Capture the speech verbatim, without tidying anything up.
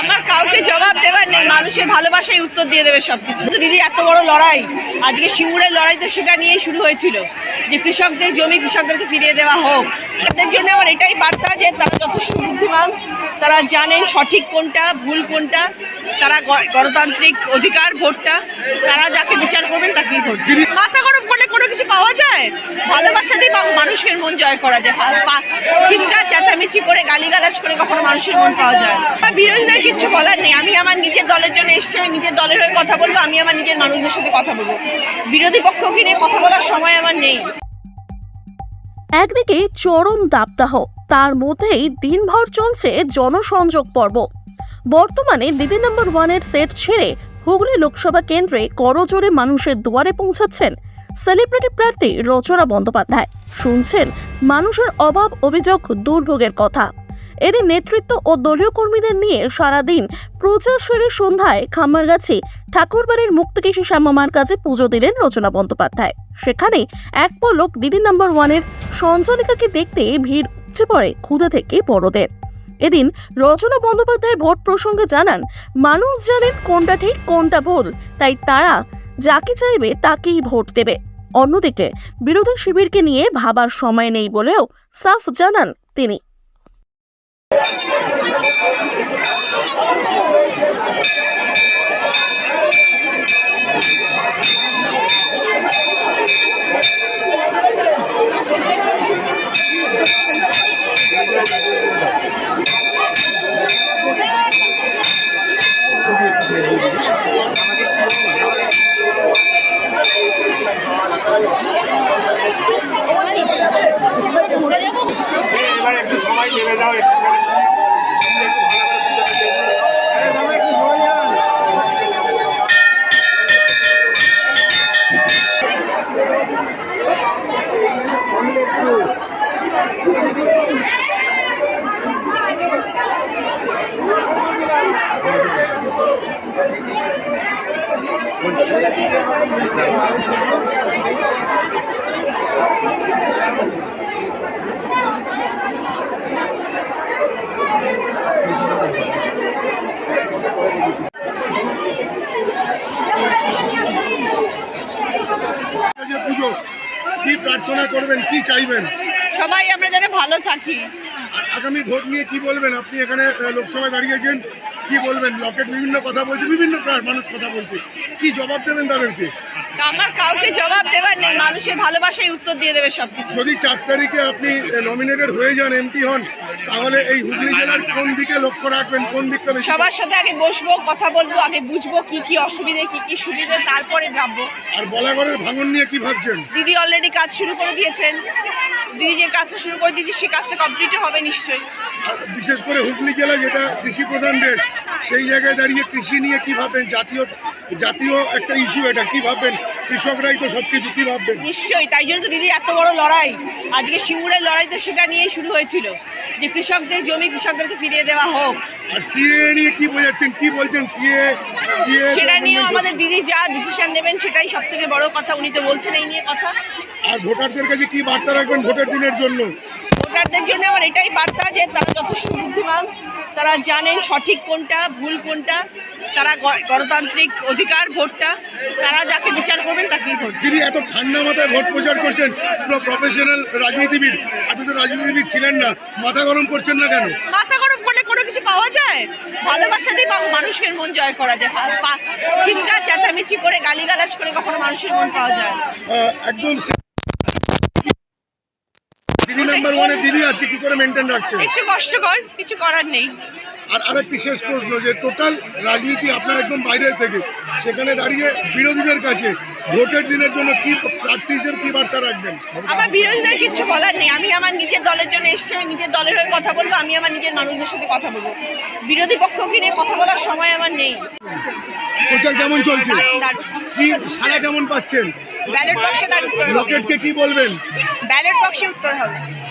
আমার কাউকে জবাব দেওয়ার নেই, মানুষের ভালোবাসাই উত্তর দিয়ে দেবে সবকিছু। দিদি এত বড় লড়াই, আজকে সিঙ্গুরের লড়াই তো সেটা নিয়েই শুরু হয়েছিল যে কৃষকদের জমি কৃষকদেরকে ফিরিয়ে দেওয়া হোক। তাদের জন্য আমার এটাই বার্তা যে তারা যথেষ্ট বুদ্ধিমান, তারা জানেন সঠিক কোনটা ভুল কোনটা, তারা গণতান্ত্রিক অধিকার ভোটটা, তারা যাকে বিচার করবেন তাকেই ভোট। মাথা গরম করলে কোনো কিছু পাওয়া যায়? ভালোবাসা দিয়ে মানুষের মন জয় করা যায়। চিৎকার চেঁচামেচি করে গালিগালাজ করে কখনো মানুষের মন পাওয়া যায়? বিরোধীদের কিছু বলার নেই। আমি আমার নিজের দলের জন্য এসেছি, আমি নিজের দলের হয়ে কথা বলবো, আমি আমার নিজের মানুষদের সাথে কথা বলবো। বিরোধী পক্ষকে নিয়ে কথা বলার সময় আমার নেই। একদিকে চরম দাবদাহ, তার মধ্যেই দিনভর চলছে জনসংযোগ পর্ব। বর্তমানে দিদি নাম্বার ওয়ানের সেট ছেড়ে হুগলি লোকসভা কেন্দ্রে করজোড়ে মানুষের দুয়ারে পৌঁছাচ্ছেন সেলিব্রিটি প্রার্থী রচনা বন্দ্যোপাধ্যায়। শুনছেন মানুষের অভাব অভিযোগ দুর্ভোগের কথা। এদের নেতৃত্ব ও দলীয় কর্মীদের নিয়ে সারাদিন প্রচার সেরে সন্ধ্যায় খামারগাছি ঠাকুরবাড়ির মুক্তকেশী শ্যামামার কাছে পুজো দিলেন রচনা বন্দ্যোপাধ্যায়। সেখানে এক পলক দিদি নাম্বার ওয়ানের সঞ্চালিকাকে দেখতে ভিড় উপচে পড়ে ক্ষুধা থেকে বড়দের। এদিন রচনা বন্দ্যোপাধ্যায় ভোট প্রসঙ্গে জানান, মানুষ জানেন কোনটা ঠিক কোনটা ভুল, তাই তারা যাকে চাইবে তাকেই ভোট দেবে। অন্যদিকে বিরোধী শিবিরকে নিয়ে ভাবার সময় নেই বলেও সাফ জানান তিনি। পুজো কি প্রার্থনা করবেন, কি চাইবেন? সবাই আমরা যেন ভালো থাকি। আগামী ভোট নিয়ে কি বলবেন? আপনি এখানে লোকসভায় দাঁড়িয়েছেন, কি বলবেন? লকেট বিভিন্ন কথা বলছে, বিভিন্ন মানুষ কথা বলছে, কি জবাব দেবেন তাদেরকে? আমার কাউকে জবাব দেওয়ার নেই, মানুষের ভালোবাসাই উত্তর দিয়ে দেবে সবকিছু। যদি চার তারিখে আপনি নমিনেটেড হয়ে যান, এমপি হন, তাহলে এই হুগলি জেলার কোন দিকে লক্ষ্য রাখবেন, কোন দিকটা বেশি? সবার সাথে আগে বসবো, কথা বলবো, আগে বুঝবো কি কি অসুবিধে কি কি সুবিধে, তারপরে ভাববো। আর বলাগড়ের ভাঙন নিয়ে কি ভাবছেন? দিদি অলরেডি কাজ শুরু করে দিয়েছেন, দিদি যে কাজটা শুরু করে দিয়েছে সে কাজটা কমপ্লিটও হবে নিশ্চয়ই। বিশেষ করে হুগলি জেলা যেটা কৃষি প্রধান দেশ, সেই জায়গায় দাঁড়িয়ে কৃষি নিয়ে কি ভাববেন? জাতীয় জাতীয় একটা ইস্যু, এটা কি ভাববেন? কৃষকরাই তো সবকিছু, কি ভাববেন? নিশ্চয়ই, তাই জন্য তো দিদি এত বড় লড়াই, আজকে সিঙ্গুরের লড়াই তো সেটা নিয়েই শুরু হয়েছিল যে কৃষকদের জমি কৃষকদেরকে ফিরিয়ে দেওয়া হোক। আর সিএ নিয়ে কি বোঝাচ্ছেন, কি বলছেন? সিএ সিএ সেটা নিয়েও আমাদের দিদি যা ডিসিশন নেবেন সেটাই সব থেকে বড় কথা, উনি তো বলছেন এই নিয়ে কথা। আর ভোটারদের কাছে কি বার্তা রাখবেন ভোটের দিনের জন্য? ভোটারদের জন্য আমার এটাই বার্তা যে তারা যথেষ্ট বুদ্ধিমান, তারা জানেন সঠিক কোনটা ভুল কোনটা, তারা গণতান্ত্রিক অধিকার ভোটটা, তারা যাকে বিচার করবেন তাকেই ভোট। দিদি এত ঠান্ডা মাথায় ভোট প্রচার করছেন, পুরো প্রফেশনাল রাজনীতিবিদ, আপনি তো রাজনীতিবিদ ছিলেন না, মাথা গরম করছেন না কেন? মাথা গরম করলে কোনো কিছু পাওয়া যায়? ভালোবাসা দিয়ে মানুষের মন জয় করা যায়। চিৎকার চেঁচামেচি করে গালিগালাজ করে কখনো মানুষের মন পাওয়া যায়? একদম। দিদি নাম্বার ওয়ানে দিদি আজকে কি করে মেনটেন রাখছে? একটু কষ্টকর, কিছু করার নেই। আর আরেকটি শেষ প্রশ্ন, যে টোটাল রাজনীতি আপনার একদম বাইরের থেকে, সেখানে দাঁড়িয়ে বিরোধীদের কাছে ভোটের দিনের জন্য কি প্রার্থী হিসেবে কি বার্তা রাখবেন? আমার বিরোধীদের কিছু বলার নেই। আমি আমার নিজের দলের জন্য এসেছি, আমি নিজের দলের হয়ে কথা বলবো, আমি আমার নিজের মানুষদের সাথে কথা বলবো। বিরোধী পক্ষকে নিয়ে কথা বলার সময় আমার নেই। প্রচার কেমন চলছে? কি সাড়া কেমন পাচ্ছেন? ব্যালট বক্সে তার উত্তর হবে। লকেটকে কি বলবেন? ব্যালট বক্সে উত্তর হবে।